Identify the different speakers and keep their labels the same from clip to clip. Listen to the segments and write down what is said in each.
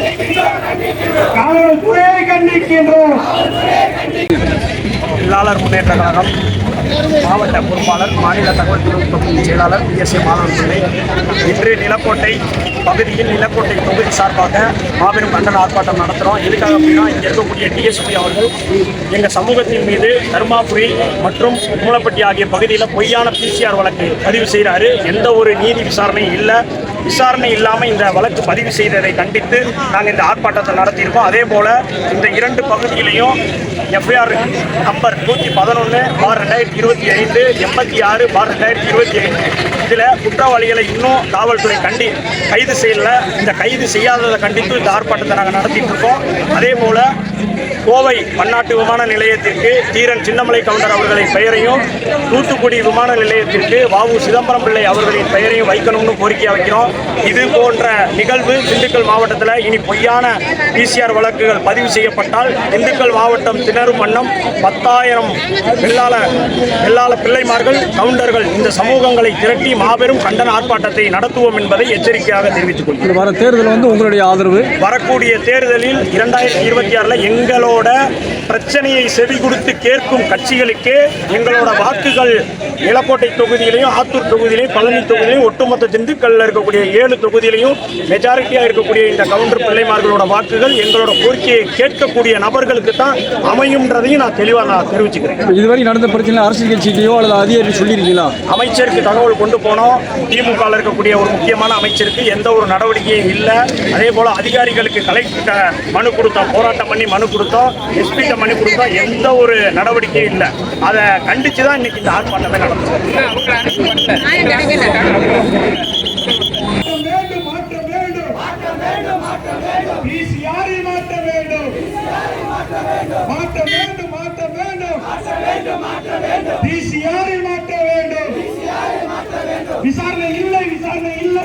Speaker 1: காவல்துறையை கண்டிக்கின்றோம்.
Speaker 2: தொழிலாளர் முன்னேற்ற கழகம் மாவட்ட பொறுப்பாளர், மாநில தகவல் தொழில்நுட்ப செயலாளர் PSA மாணவர்களே, இன்று நிலக்கோட்டை பகுதியில் நிலக்கோட்டை தொகுதி சார்பாக மாபெரும் கண்டன ஆர்ப்பாட்டம் நடத்துகிறோம். எதுக்காக அப்படின்னா, இங்கே இருக்கக்கூடிய DSP அவர்கள் எங்கள் சமூகத்தின் மீது தருமாபுரி மற்றும் மூலப்பட்டி ஆகிய பகுதியில் பொய்யான PCR வழக்கு பதிவு செய்கிறாரு. எந்த ஒரு நீதி விசாரணையும் இல்லை. விசாரணை இல்லாமல் இந்த வழக்கு பதிவு செய்ததை கண்டித்து நாங்கள் இந்த ஆர்ப்பாட்டத்தை நடத்தியிருக்கோம். அதே போல் இந்த 2 பகுதியிலையும் FIR நம்பர் 111/2025 86/2025 இதில் குற்றவாளிகளை இன்னும் காவல்துறை கைது செய்யல. இந்த கைது செய்யாததை கண்டித்து இந்த ஆர்ப்பாட்டத்தை நாங்கள் நடத்திட்டு இருக்கோம். அதே போல் கோவை பன்னாட்டு விமான நிலையத்திற்கு தீரன் சின்னமலை கவுண்டர் அவர்களின் பெயரையும், தூத்துக்குடி விமான நிலையத்திற்கு வ.உ. சிதம்பரம் பிள்ளை அவர்களின் பெயரையும் வைக்கணும்னு கோரிக்கை வைக்கிறோம். இது போன்ற நிகழ்வு திண்டுக்கல் மாவட்டத்தில் இனி பொய்யான PCR வழக்குகள் பதிவு செய்யப்பட்டால் திண்டுக்கல் மாவட்டம் திணறும் வண்ணம் 10,000 வெள்ளாள பிள்ளைமார்கள், கவுண்டர்கள் இந்த சமூகங்களை திரட்டி மாபெரும் கண்டன ஆர்ப்பாட்டத்தை நடத்துவோம் என்பதை எச்சரிக்கையாக தெரிவித்துக் கொள்கிறோம்.
Speaker 3: வர தேர்தல் உங்களுடைய ஆதரவு?
Speaker 2: வரக்கூடிய தேர்தலில் 2026 எங்களோட பிரச்சனையை செவி கொடுத்து கேட்கும் கட்சிகளுக்கு எங்களோட வாக்குகள் நிலக்கோட்டை தொகுதியிலையும், ஆத்தூர் தொகுதியிலையும், பழனி தொகுதியிலையும், ஒட்டுமொத்த திண்டுக்கல்ல இருக்கக்கூடிய 7 தொகுதியிலையும் மெஜாரிட்டியாக இருக்கக்கூடிய இந்த கவுண்டர் பிள்ளைமார்களோட வாக்குகள் எங்களோட கோரிக்கையை கேட்கக்கூடிய நபர்களுக்கு தான் அமையும்ன்றதையும் நான் தெளிவாக தெரிவிச்சுக்கிறேன்.
Speaker 3: இதுவரை நடந்த பிரச்சனை அரசியல் கட்சியோ அல்லது அதிகாரி சொல்லியிருக்கீங்களா?
Speaker 2: அமைச்சருக்கு தகவல் கொண்டு போனோம். திமுக இருக்கக்கூடிய ஒரு முக்கியமான அமைச்சருக்கு எந்த ஒரு நடவடிக்கையும் இல்லை. அதே போல அதிகாரிகளுக்கு கலெக்டர் மனு கொடுத்தோம், போராட்டம் பண்ணி மனு கொடுத்தோம், SP மனு கொடுத்தோம், எந்த ஒரு நடவடிக்கையும் இல்லை. அதை கண்டித்து தான் இன்னைக்கு இந்த ஆர்ப்பாட்டத்தை நடத்தும்.
Speaker 1: விசாரணை இல்லை, விசாரணை இல்லை,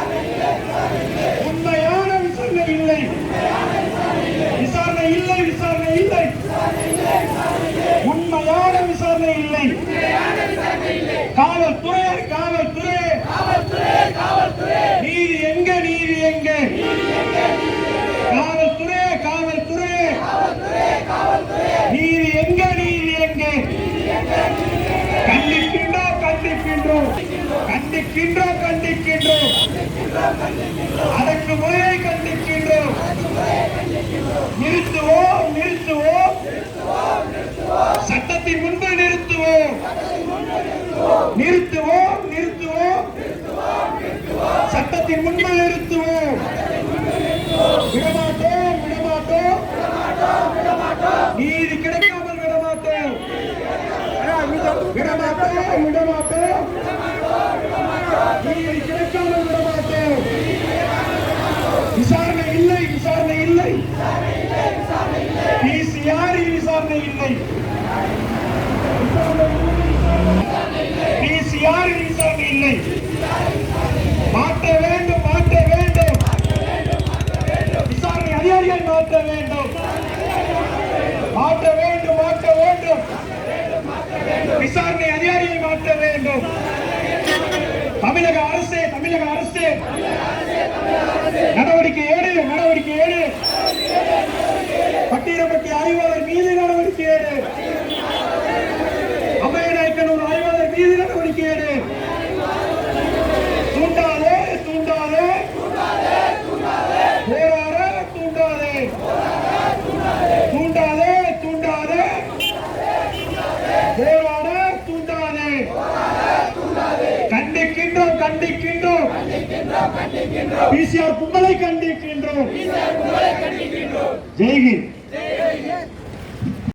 Speaker 1: உண்மையான விசாரணை இல்லை, விசாரணை இல்லை, விசாரணை இல்லை, உண்மையான விசாரணை இல்லை. காவல்துறை, காவல்துறை, நீதி எங்க, நீதி எங்க? காவல்துறை, காவல்துறை, நீதி எங்க, நீதி எங்க? கண்டிக்கின்றோம், கண்டிக்கின்றோம், கண்டிக்கின்றோம், கண்டிக்கின்றோம், அடக்குமுறையை கண்டிக்கின்றோம். நிறுத்துவோம், நிறுத்துவோம், சட்டத்தின் முன்பு நிறுத்துவோம், நிறுத்துவோம், நிறுத்துவோம், சட்டத்தின் முன்பு நிறுத்துவோம். விடமாட்டோம், விடமாட்டோம், நீதி கிடைக்காமல் விடமாட்டோம், விடமாட்டோம், விடமாட்டோம், நீதி கிடைக்காமல் விடமாட்டோம். விசாரணை இல்லை, விசாரணை இல்லை, PCR விசாரணை இல்லை, PCR விசாரணை இல்லை. மாற்ற வேண்டும், மாற்ற வேண்டும், விசாரணை அதிகாரிகள் மாற்ற வேண்டும், மாற்ற வேண்டும், மாற்ற வேண்டும், விசாரணை அதிகாரியை மாற்ற வேண்டும். தமிழக அரசு, தமிழக அரசு நடவடிக்கை ஏடு, நடவடிக்கை ஏடு. பட்டியலப்பட்டி ஆய்வாளர் மீது நடவடிக்கை ஏடு. அபயநாயக்கனூர் ஆய்வாளர் மீது நடவடிக்கை ஏடு. தூண்டாதே, தூண்டாதே, போராட தூண்டாதே, தூண்டாதே, தூண்டாதே, போராட தூண்டாதே. கண்டிக்கின்றோம், கண்டிக்கின்றோம், PCR கும்பலை கண்டிக்கின்றோம். ஜெய்ஹிந்த்.